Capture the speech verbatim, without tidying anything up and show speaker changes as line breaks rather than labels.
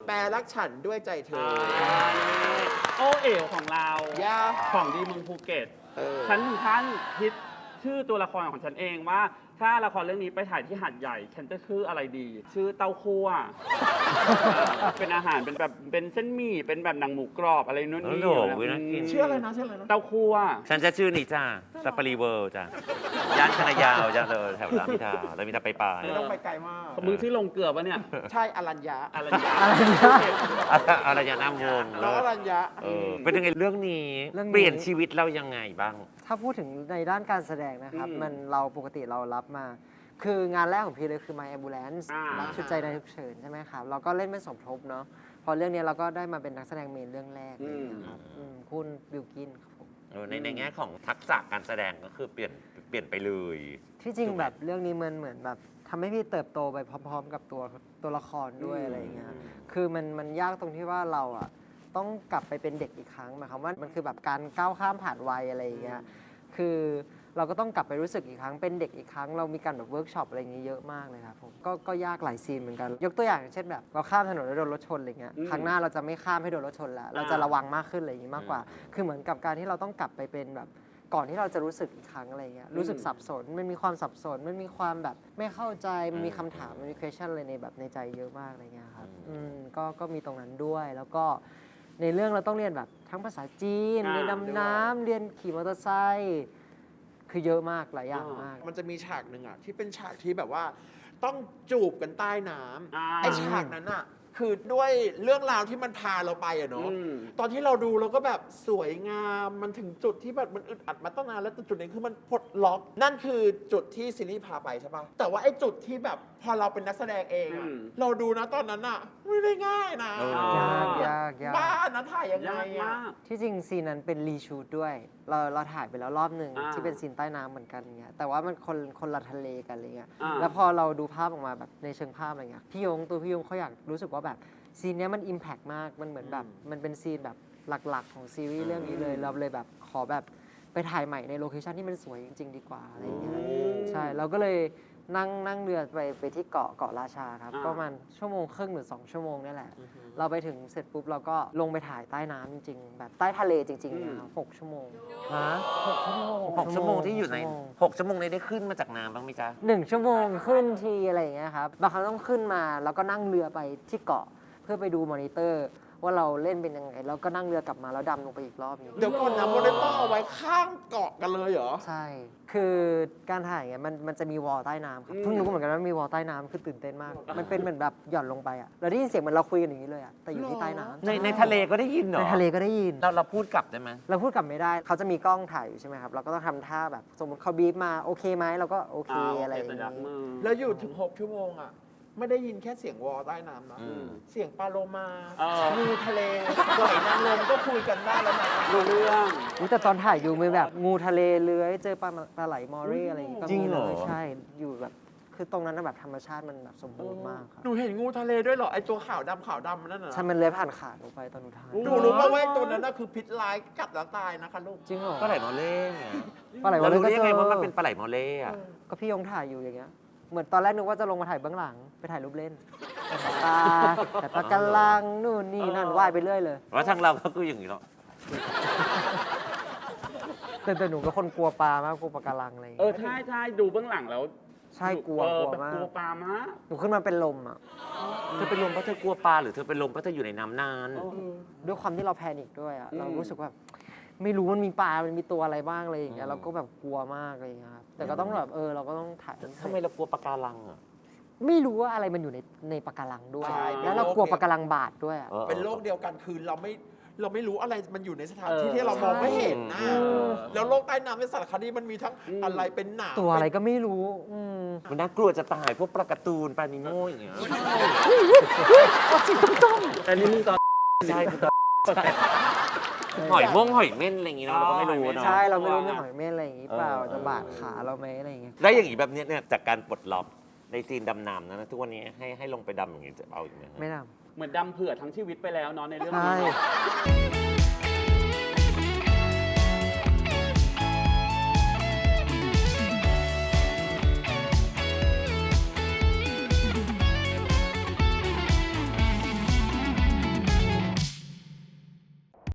แปรรักฉันด้วยใจเธอ
โอเอ๋วของเราของดีเมืองภูเก็ตฉันถึงขั้นคิดชื่อตัวละครของฉันเองว่าถ้าละครเรื่องนี้ไปถ่ายที่หาดใหญ่ฉันจะชื่ออะไรดี ชื่อเต้าคั่วเป็นอาหารเป็นแบบเป็นเส้นหมี่เป็นแบบหนังหมูกรอบอะไรนู่นนี่
ชื่ออะไรนะชื่ออะไรนะ
เต้าคั่ว
ฉันจะชื่อนี่จ้าซัปปารีเวิลด์จ้าย่านคณะยาวจ้าเลยแถวรามอินทราแล้วมีแต่ไปป่า
ไม่ต้องไปไกลมาก
มึงที่ลงเกลือปะเนี่ย
ใช่อรัญญา
อรัญญา
อรัญญาน้ำวง
น้องอรัญญา
เป็นยังไงเรื่องนี้เปลี่ยนชีวิตเรายังไงบ้าง
ถ้าพูดถึงในด้านการแสดงนะครับมันเราปกติเรารับมาคืองานแรกของพี่เลยคือ My Ambulance รับชุดใจในฉุกเฉินใช่ไหมครับเราก็เล่นเป็นสมทบเนาะพอเรื่องนี้เราก็ได้มาเป็นนักแสดงเมนเรื่องแรกนะครับคุณบิลกินครับผม
ในในแง่ของทักษะการแสดงก็คือเปลี่ยนเปลี่ยนไปเลย
ที่จริงแบบเรื่องนี้มันเหมือนแบบทำให้พี่เติบโตไปพร้อมๆกับตัวตัวละครด้วยอะไรอย่างเงี้ยคือมันมันยากตรงที่ว่าเราอ่ะต้องกลับไปเป็นเด็กอีกครั้งหมายความว่ามันคือแบบการก้าวข้ามผ่านวัยอะไรอย่างเงี้ยคือเราก็ต้องกลับไปรู้สึกอีกครั้งเป็นเด็กอีกครั้งเรามีการแบบเวิร์กช็อปอะไรอย่างเงี้ยเยอะมากเลยครับผมก็ก็ยากหลายซีนเหมือนกันยกตัวอย่างเช่นแบบเราข้ามถนนแล้วโดนรถชนอะไรเงี้ยครั้งหน้าเราจะไม่ข้ามให้โดนรถชนแล้วเราจะระวังมากขึ้นอะไรอย่างงี้มากกว่าคือเหมือนกับการที่เราต้องกลับไปเป็นแบบก่อนที่เราจะรู้สึกอีกครั้งอะไรเงี้ยรู้สึกสับสนมันมีความสับสนมันมีความแบบไม่เข้าใจมันมีคำถามมันมี question อะไรในแบบในใจเยอะมากอะไรเงี้ยครับอืมก็ก็มีตรงนั้นด้วยแล้วก็ในเรื่องเราต้องเรียนแบบทั้งภาษาจีนเรียนดำน้ำเรียนขี่มอเตอร์ไซค์คือเยอะมากหลายอย่างมาก
มันจะมีฉากหนึ่งอ่ะที่เป็นฉากที่แบบว่าต้องจูบกันใต้น้ำไอ้ฉากนั้นอ่ะคือด้วยเรื่องราวที่มันพาเราไปอะเนาะตอนที่เราดูเราก็แบบสวยงามมันถึงจุดที่แบบมันอึดอัดมาตั้งนานแล้วจุดนี้คือมันปลดล็อกนั่นคือจุดที่ซีรีส์พาไปใช่ปะแต่ว่าไอ้จุดที่แบบพอเราเป็นนักแสดงเองอะเราดูนะตอนนั้นอะไม่ได้ง่ายนะ
ยากยากยาก
บ้านนะถ่ายยังไงอะ
ที่จริงซีนนั้นเป็นรีชูดด้วยเราเราถ่ายไปแล้วรอบหนึ่งที่เป็นซีนใต้น้ำเหมือนกันเงี้ยแต่ว่ามันคนคนละทะเลกันอะไรเงี้ยแล้วพอเราดูภาพออกมาแบบในเชิงภาพอะไรเงี้ยพี่ยงตัวพี่ยงเขาอยากรู้สึกว่าแบบซีนนี้มันอิมแพกมากมันเหมือนแบบมันเป็นซีนแบบหลักๆของซีรีส์เรื่องนี้เลยเราเลยแบบขอแบบไปถ่ายใหม่ในโลเคชั่นที่มันสวยจริงๆดีกว่าอะไรอย่างเงี้ยใช่เราก็เลยนั่งนั่งเรือไปไปที่เกาะเกาะราชาครับประมาณชั่วโมงครึ่งหรือสองชั่วโมงนี่แหละเราไปถึงเสร็จปุ๊บเราก็ลงไปถ่ายใต้น้ำจริงๆแบบใต้ทะเลจริงๆนะหกชั่วโมง
ฮะหกชั่วโมงหกชั่วโมงที่อยู่ในหกชั่วโมงนี้ได้ขึ้นมาจากน้ำบ้างไหมจ๊ะ
หนึ่งชั่วโมงขึ้นทีอะไรอย่างเงี้ยครับบางครั้งต้องขึ้นมาแล้วก็นั่งเรือไปที่เกาะเพื่อไปดูมอนิเตอร์ว่าเราเล่นเป็นยังไงแล้วก็นั่งเรือกลับมาแล้วดำลงไปอีกรอบนึง
เดี๋ยวก่อนนะมอนิเตอร์เอาไว้ข้างเกาะกันเลยเหรอ
ใช่คือการถ่ายเงี้ยมันมันจะมีวอลใต้น้ำครับเพิ่งรู้เหมือนกันว่ามีวอลใต้น้ำคือตื่นเต้นมากมันเป็นเหมือนแบบหย่อนลงไปอ่ะเราได้ยินเสียงเหมือนเราคุยกันอย่างนี้เลยอ่ะแต่อยู่ที่ใต้น้ำ
ในในทะเลก็ได้ยินเหรอ
ในทะเลก็ได้ยิน
เราเราพูดกลับได้ไหม
เราพูดกลับไม่ได้เขาจะมีกล้องถ่ายอยู่ใช่ไหมครับเราก็ต้องทำท่าแบบสมมติเขาบีบมาโอเคไหมเราก็โอเคอะไรอย่างนี้
แล้วอยู่ถึงหกชั่วโมงอ่ะไม่ได้ยินแค่เสียงวอลใต้น้ำนะเสียงปลาโลมางูทะเลหอยนางรมก็คุยกันได้แล้วนะ
รู้เรื่อง
แต่ตอนถ่ายอยู่มีแบบงูทะเลเลื้อยเจอปลาปลาไหลมอรี่อะไรอย่างงี้ก็มีเลยใช่อยู่แบบคือตรงนั้นแบบธรรมชาติมันแบบสมบูรณ์มากครับ
หนูเห็นงูทะเลด้วยเหรอไอตัวขาวดำขาวดำนั่นน่ะ
ใช่มันเลื้อยผ่านขาหนูไปตอนหนูถ่าย
หนูรู้ป่าวว่าตัวนั้นน่ะคือพิษร้ายกัดแล้วตายนะคะลูก
จริงเหรอ
ปลาไหลมอเล่
ปลาไหลมอเล่
ก็เจอรู้ได้ไงว่ามันเป็นปลาไหลมอเล่อะ
ก็พี่ยงถ่ายอยู่อย่างเงี้ยเหมือนตอนแรกนึกว่าจะลงมาถ่ายเบื้องหลังไปถ่ายรูปเล่นแต่ปลาแต่ปลากระลังนู่นนี่นั่นว่ายไปเรื่อยเลย
ว่าทางเราก็คืออย่างนี้เนาะ
แต่แต่หนูก็คนกลัวปลามากกลัวปลากระลังอะไร
เออใช่ใช่ดูเบื้องหลังแล้ว
ใช่กลัวกลัวมาก
กลัวปลามาก
หนูขึ้นมาเป็นลมอ่ะ
เธอเป็นลมเพราะเธอกลัวปลาหรือเธอเป็นลมเพราะเธออยู่ในน้ำนาน
ด้วยความที่เราแพนิคด้วยอ่ะเรารู้สึกว่าไม่รู้มันมีปลา มันมีตัวอะไรบ้างอะไรอย่างเงี้ยเราก็แบบกลัวมากอะไรอย่างเงี้ยครับแต่ก็ต้องแบบเออเราก็ต้องถ่าย
ทำไมเรากลัวปลาการังอ่ะ
ไม่รู้ว่าอะไรมันอยู่ในในปลาการังด้วยแล้วเรากลัวปลาการังบาดด้วย
เป็นโรคเดียวกันคือเราไม่เราไม่รู้อะไรมันอยู่ในสถานที่ที่เรามองไม่เห็นนะแล้วโลกใต้น้ำในสารคดีมันมีทั้งอะไรเป็นหนาม
ตัวอะไรก็ไม่รู้
มันน่ากลัวจะตายพวกปลาการ์ตูนปลานิโม่อย่างเงี้ย
สีส้ม
แต่นี่มึงตอน
ใช่ตอนหอยม่วงหอยเม่นอะไรอย่างงี้เราก็ไม่รู้เนาะ
ใช่เราไม่รู้เรื่องหอยเม่นอะไรอย่างงี้เปล่าจะบาดขาเราไหมอะไรอย่างเงี้ย
แล้วอย่างงี้แบบนี้เนี่ยจากการปลดล็อกในซีนดำน้ำนะทุกวันนี้ให้ให้ลงไปดำอย่างงี้จะเอาอีกไหม
ไม่ด
ำเหมือนดำเผื่อทั้งชีวิตไปแล้วเนาะในเรื่อง
นี้